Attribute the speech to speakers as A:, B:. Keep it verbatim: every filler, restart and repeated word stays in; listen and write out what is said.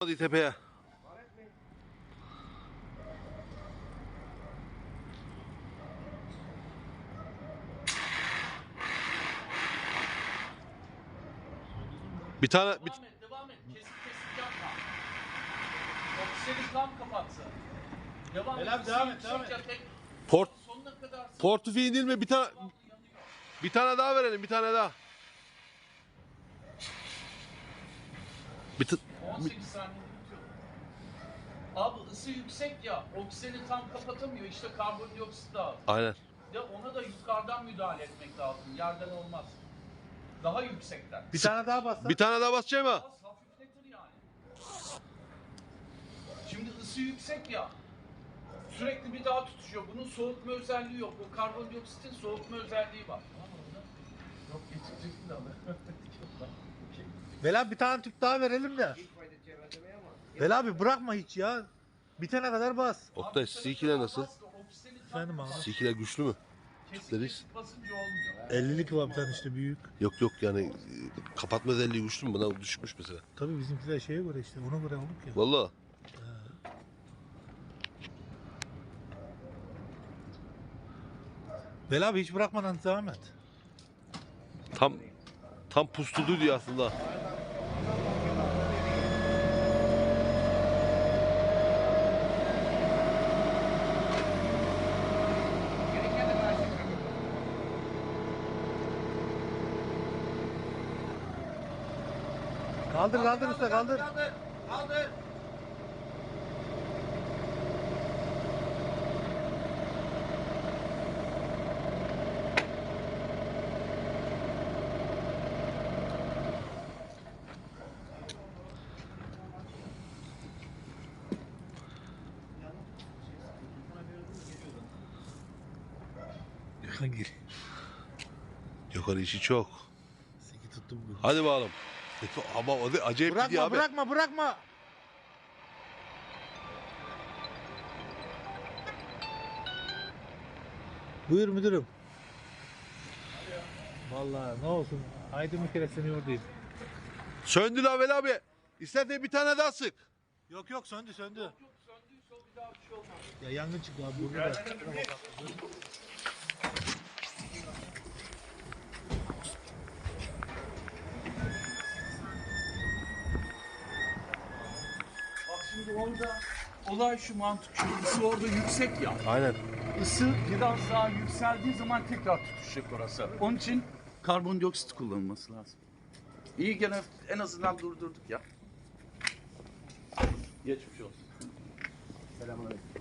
A: Hadi tepeye. Bir tane bir...
B: Devam et, devam et. Kesik kesik yapma. Oksijeni tam kapatsın. Devam et.
C: Helal, devam et, devam et.
B: Tek,
A: Port
B: sonuna kadar
A: portföy değil mi? Bir tane bir tane daha verelim, bir tane daha. Bir t-
B: on sekiz saniye bitiyor. Abi ısı yüksek ya. Oksijeni tam kapatamıyor. İşte karbondioksit lazım.
A: Aynen.
B: Ya ona da yukarıdan müdahale etmek lazım. Yerden olmaz. Daha yüksekten.
C: Bir tane daha bas.
A: Bir tane daha basacağım ha.
B: Az hafifletir yani. Şimdi ısı yüksek ya. Sürekli bir daha tutuşuyor. Bunun soğutma özelliği yok. O karbondioksitin soğutma özelliği var. Yok geçeceksin de
C: Vel abi bir tane tüp daha verelim de. Vel abi bırakma hiç ya. Bitene kadar bas.
A: Oktay, C iki'ler nasıl?
C: Efendim abi.
A: C iki'ler güçlü mü?
B: Kesinlikle
A: Deriz.
B: basınca olmuyor.
C: ellilik var bir tane işte büyük.
A: Yok yok yani e, kapatma özelliği güçlü mü? Buna düşmüş mesela.
C: Tabii bizimkiler şeye göre işte ona göre olduk ya.
A: Vallahi.
C: Vel abi hiç bırakmadan devam et.
A: Tam tam pustulu diyor aslında.
C: Kaldır kaldır usta kaldır.
B: Kaldır. Kaldır.
C: Hangi?
A: Yukarı işi çok.
C: Seki tuttum bugün.
A: Hadi bakalım. Ama o da acayip
C: Bırakma
A: gidiyor abi.
C: bırakma bırakma. Buyur müdürüm. Vallahi ne olsun. Haydi bir kere seni oradayım.
A: Söndü lan Veli abi. İstersen bir tane daha sık.
C: Yok yok söndü söndü.
B: Yok söndüyse o bir daha bir şey olmaz.
C: Ya yangın çıktı abi burada da.
B: Bak şimdi orada olay şu mantık şu. Isı orada yüksek ya.
A: Aynen.
B: Isı biraz daha yükseldiği zaman tekrar tutuşacak orası. Onun için karbondioksit kullanılması lazım. İyi gene en azından durdurduk ya. Geçmiş olsun.
C: Selamünaleyküm.